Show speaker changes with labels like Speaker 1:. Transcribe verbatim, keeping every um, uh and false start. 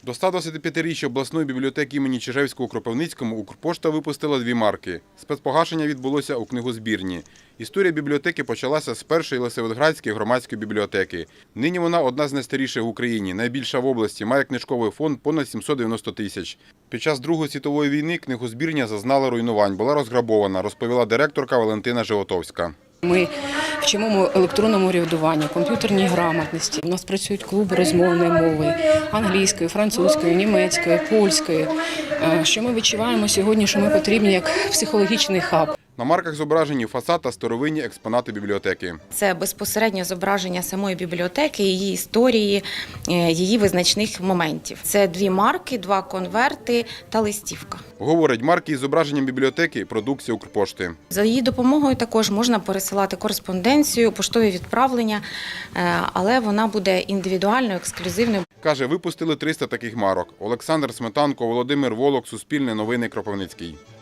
Speaker 1: До ста двадцятип'ятиріччя обласної бібліотеки імені Чижевського у Кропивницькому Укрпошта випустила дві марки. Спецпогашення відбулося у книгозбірні. Історія бібліотеки почалася з першої Лисаводградської громадської бібліотеки. Нині вона одна з найстаріших в Україні, найбільша в області, має книжковий фонд понад сімсот дев'яносто тисяч. Під час Другої світової війни книгозбірня зазнала руйнувань, була розграбована, розповіла директорка Валентина Животовська.
Speaker 2: Ми вчимо електронному урядуванню, комп'ютерній грамотності. У нас працюють клуби розмовної мови – англійської, французької, німецької, польської. Що ми відчуваємо сьогодні, що ми потрібні як психологічний хаб.
Speaker 1: На марках зображені фасад та старовинні експонати бібліотеки.
Speaker 3: Це безпосереднє зображення самої бібліотеки, її історії, її визначних моментів. Це дві марки, два конверти та листівка.
Speaker 1: Говорить, марки із зображенням бібліотеки – продукція Укрпошти.
Speaker 3: За її допомогою також можна пересилати кореспонденцію, поштові відправлення, але вона буде індивідуальною, ексклюзивною.
Speaker 1: Каже, випустили триста таких марок. Олександр Сметанко, Володимир Волок, Суспільне новини, Кропивницький.